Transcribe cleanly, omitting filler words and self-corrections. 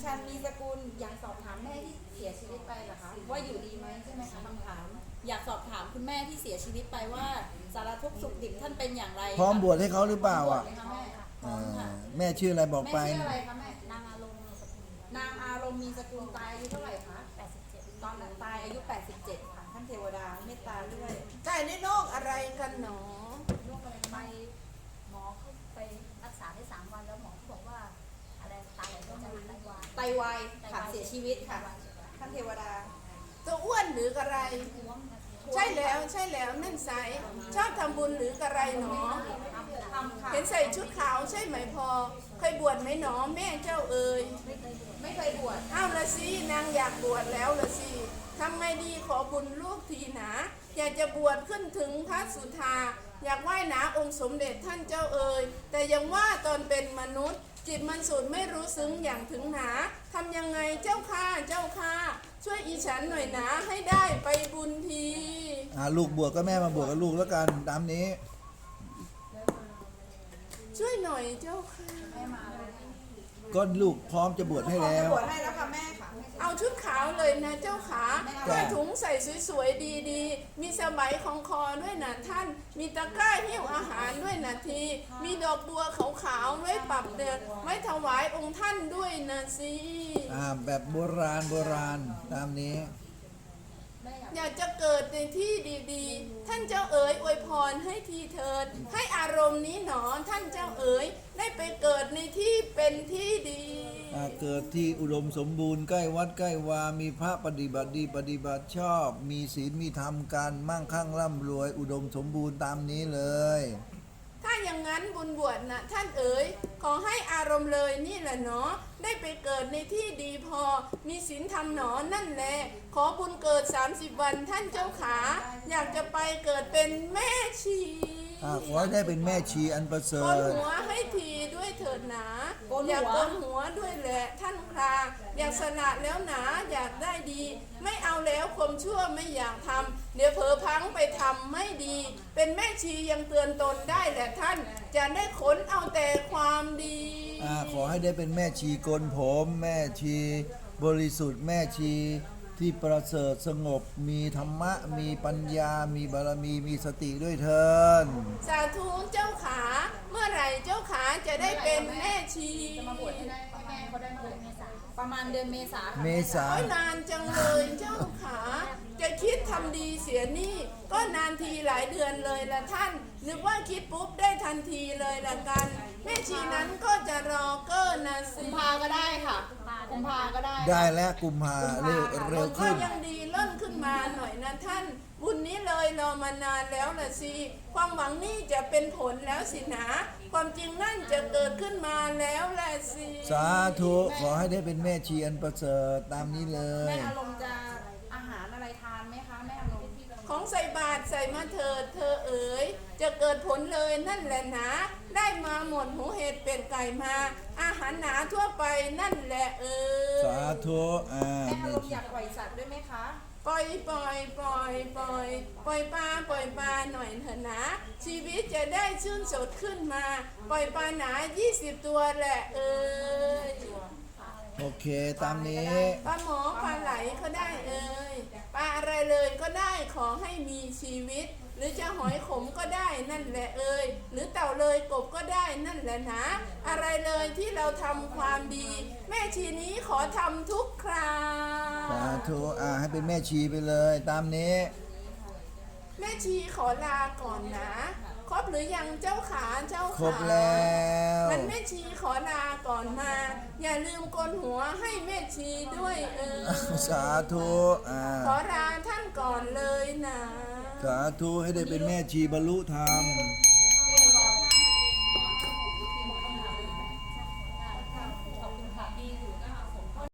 ชันมีสกุลอยากสอบถามแม่ที่เสียชีวิตไปเหรอคะว่าอยู่ดีไหมใช่ไหมคะคำถามอยากสอบถามคุณแม่ที่เสียชีวิตไปว่าสารทุกข์สุขดิบท่านเป็นอย่างไรพร้อมบวชให้เขาหรือเปล่าอ่ะพร้มบวชไหมคะแม่พร้อมค่ะแม่ชื่ออะไรบอกแม่ไปชื่ออะไรคะแม่นางอารมณ์มีสกุลนางอารมณ์มีสกุลตายอายุเท่าไหร่คะ 87 ตอนนั้นตายอายุ 87 ค่ะท่านเทวดาเมตตาด้วยตายในโรคอะไรกันหนอโรคอะไรไปไม่หมอเขาไปรักษาได้3 วันแล้วหมอเขาบอกว่าอะไรไตก็จะไตวายไตวายค่ะเสียชีวิตค่ะ ท่านเทวดาตัวอ้วนหรือกระไรท้วมนะใช่แล้วใช่แล้วนั่นใสชอบทำบุญหรือกระไรหนอทำค่ะเห็นใส่ชุดขาวใช่ไหมพอ เคยบวชไหมหนอแม่เจ้าเอ๋ยไม่เคยบวชอ้าวละสินางอยากบวชแล้วละสิทำไงดีขอบุญลูกทีหนาอยากจะบวชขึ้นถึงพระสุธาอยากไหว้หนาองค์สมเด็จท่านเจ้าเอ๋ยแต่ยังว่าตอนเป็นมนุษย์ จิตมันสุดไม่รู้ซึ้งอย่างถึงหนาทำยังไงเจ้าข้าเจ้าข้าช่วยอีฉันหน่อยนะให้ได้ไปบุญทีลูกบวชก็แม่มาบวชกับลูกแล้วกันตามนี้ช่วยหน่อยเจ้าค่ะแม่มาเลยก็ลูกพร้อมจะบวชให้แล้วบวชให้แล้วค่ะแม่ค่ะเอาชุดขาวเลยนะเจ้าขาจ้ะด้วยถุงใส่สวยๆดีๆ มีสบายของคอด้วยนะท่าน มีตะกร้าหิ้วอาหารด้วยนะที มีดอกบัวขาวๆไว้ปรับเดือนไว้ถวายองค์ท่านด้วยนะสิแบบโบราณโบราณตามนี้แม่อยากอยากจะเกิดในที่ดีๆ ท่านเจ้าเอ๋ยอวยพรให้ทีเถิด ให้อารมณ์นี้หนอท่านเจ้าเอ๋ยได้ไปเกิดในที่เป็นที่ดีเกิดที่อุดมสมบูรณ์ใกล้วัดใกล้วา มีพระปฏิบัติดีปฏิบัติชอบ มีศีลมีธรรมการมั่งคั่งร่ำรวย อุดมสมบูรณ์ตามนี้เลยถ้าอย่างนั้นบุญบวชนะท่านเอ๋ยขอให้อารมณ์เลยนี่แหละเนาะได้ไปเกิดในที่ดีพอ มีศีลธรรมหนอนั่นแหละขอบุญเกิด30 วันท่านเจ้าขา อยากจะไปเกิดเป็นแม่ชีขอให้ได้เป็นแม่ชีอันประเสริโกนฐหัวให้ทีด้วยเถิดหนาโกนหัวอยากโกนหัวด้วยแหละท่านคราอยากสละแล้วหนาอยากได้ดี ไม่เอาแล้วความชั่วไม่อยากทำเดี๋ยวเผลอพลังไปทำไม่ดี เป็นแม่ชียังเตือนตนได้แหละท่าน จะได้ขนเอาแต่ความดีขอให้ได้เป็นแม่ชีโกนผม แม่ชีบริสุทธิ์แม่ชีที่ประเสริฐสงบมีธรรมะ มีปัญญา มีบารมี มีสติด้วยเถินสาธุเจ้าขา เมื่อไหร่เจ้าขาจะได้เป็นแม่ชีจะมาบวชให้ได้ให้แม่เขาได้เมื่อไหร่ประมาณเดือนเมษาค่ะเมษาโอ้ยนานจังเลยเจ้าขา จะคิดทำดีเสียนี่ ก็นานทีหลายเดือนเลยละท่าน นึกว่าคิดปุ๊บได้ทันทีเลยละกัน แม่ชีนั้นก็จะรอเก้อนะสิกุมภาก็ได้ค่ะกุมภาก็ได้ได้แล้วกุมภาเร็วเร็วก็ขึ้นยังดีเล่นขึ้นมาหน่อยนะท่าน บุญนี้เลยรอมานานแล้วละสิ ความหวังนี่จะเป็นผลแล้วสินะ ความจริงนั่นจะเกิดขึ้นมาแล้วละสิสาธุขอให้ได้เป็นแม่ชีอันประเสริฐตามนี้เลแม่ยอารมณ์จะอาหารอะไรทานไหมคะแม่อารมณ์ของใส่บาตรใส่มาเถิดเธอเอ๋ยจะเกิดผลเลยนั่นแหละนะ ได้มาหมดหูเห็ดเป็ดไก่มา อาหารหนาทั่วไปนั่นแหละเอ๋ยสาธุแม่อารมณ์อยากปล่อยสัตว์ด้วยไหมคะปล่อยปล่อยปล่อยปล่อยปล่อยปลาหน่อยเถอะนะ ชีวิตจะได้ชื่นสดขึ้นมา ปล่อยปลาหนา20 ตัวแหละเอ๋ยโอเคตามนี้ปลาหมอปลาไหลก็ได้เอ่ยปลาอะไรเลยก็ได้ขอให้มีชีวิต หรือจะหอยขมก็ได้นั่นแหละเอ่ยหรือเต่าเลยกบก็ได้นั่นแหละนะ อะไรเลยที่เราทำความดี แม่ชีนี้ขอทำทุกคราสาธุให้เป็นแม่ชีไปเลยตามนี้แม่ชีขอลาก่อนนะครบหรือยังเจ้าขาเจ้าขาครบแล้วมันแม่ชีขอลาก่อนมา อย่าลืมโกนหัวให้แม่ชีด้วยสาธุขอลาท่านก่อนเลยนะสาธุให้ได้เป็นแม่ชีบรรลุธรรม